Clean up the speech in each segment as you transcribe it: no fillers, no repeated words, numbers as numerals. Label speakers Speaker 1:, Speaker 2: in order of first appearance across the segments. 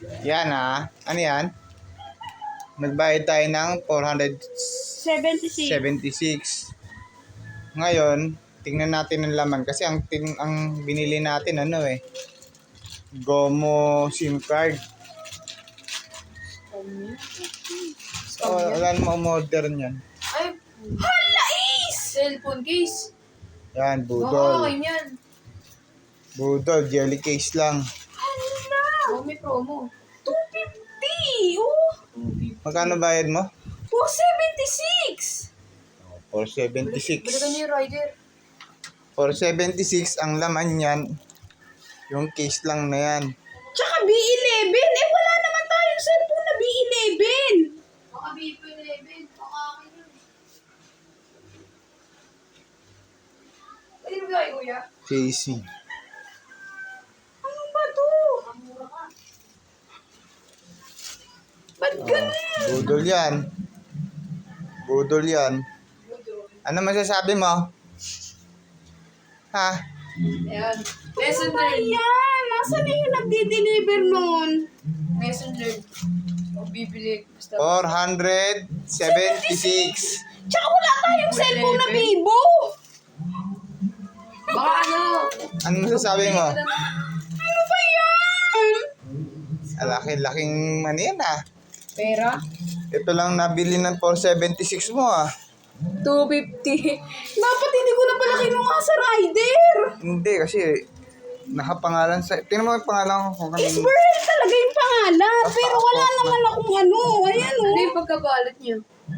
Speaker 1: Yan ano yan? Nagbayad tayo ng
Speaker 2: 76.
Speaker 1: 476. Ngayon, tingnan natin ang laman kasi ang binili natin Gomo SIM card. So, wala namang modern yan.
Speaker 3: Ay,
Speaker 2: Hala is!
Speaker 3: cellphone case.
Speaker 1: Yan,
Speaker 3: Baka
Speaker 1: budol.
Speaker 3: akin yan.
Speaker 1: Budol, jelly case lang.
Speaker 2: Hala!
Speaker 3: Oh, may promo.
Speaker 2: 250! Oh!
Speaker 1: Magkano bayad mo?
Speaker 2: 476!
Speaker 1: 476.
Speaker 3: Balikan niyo yung rider.
Speaker 1: 476 ang laman yan. Yung case lang na yan.
Speaker 2: Tsaka B11! Eh, wala naman tayong cellphone na B11!
Speaker 3: Baka Vivo 11. Baka akin yun. Pwede mo gawin, kuya?
Speaker 1: Casing.
Speaker 2: Ano ba to?
Speaker 3: Mura ka.
Speaker 2: Ba't ganun?
Speaker 1: Budol yan. Budol yan. Ano masasabi mo? Ha?
Speaker 3: Ayan. Lesson learned.
Speaker 2: Ayan! Nasaan na yung nagdi-deliver nun?
Speaker 3: Lesson learned. Huwag bibili. Basta.
Speaker 1: 476.
Speaker 2: Tsaka wala tayong cellphone na Vivo!
Speaker 3: Baka ano?
Speaker 1: Ano masasabi mo?
Speaker 2: Ano ba yan?
Speaker 1: Laki-laking yan
Speaker 3: Pera?
Speaker 1: Ito lang nabili ng 476 mo
Speaker 3: 250.
Speaker 2: Dapat hindi ko na pala kinuha sa rider!
Speaker 1: Hindi kasi nakapangalan sa... Tingnan mo yung pangalan ko kung kanino.
Speaker 2: Isabel talaga yung pangalan, pero wala
Speaker 1: Tapos
Speaker 2: naman akong ano. Ayan
Speaker 3: Ano
Speaker 2: oh.
Speaker 3: yung pagkabalot niyo?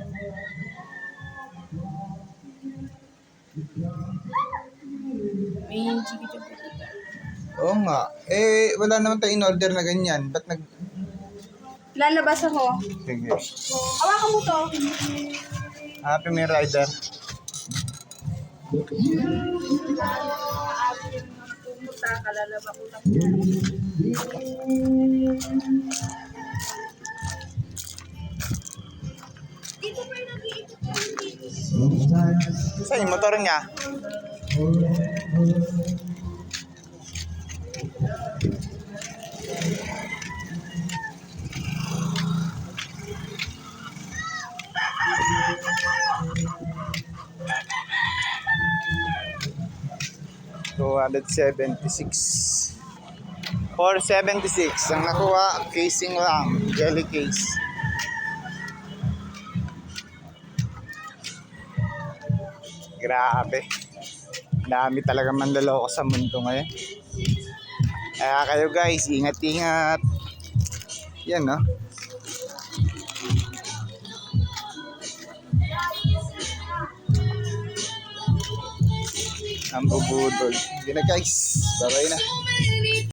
Speaker 3: May chiki-chiki.
Speaker 1: Oo nga. Wala naman tayo in-order na ganyan. Ba't nag...
Speaker 2: Lalabas ako.
Speaker 1: Sige.
Speaker 2: Hawakan mo to.
Speaker 1: Happy Meal Rider.
Speaker 2: Pumunta ka, lalaba ko lang. Dito pa yung nag-iipot dito.
Speaker 1: Saan yung motor niya? $276. 476 ang nakuha, casing lang, jelly case. Grabe. Dami talaga manloloko sa mundo ngayon. Kaya kayo guys, ingat-ingat. Yan no. Ang bubudol. Yun na guys. Bye-bye na.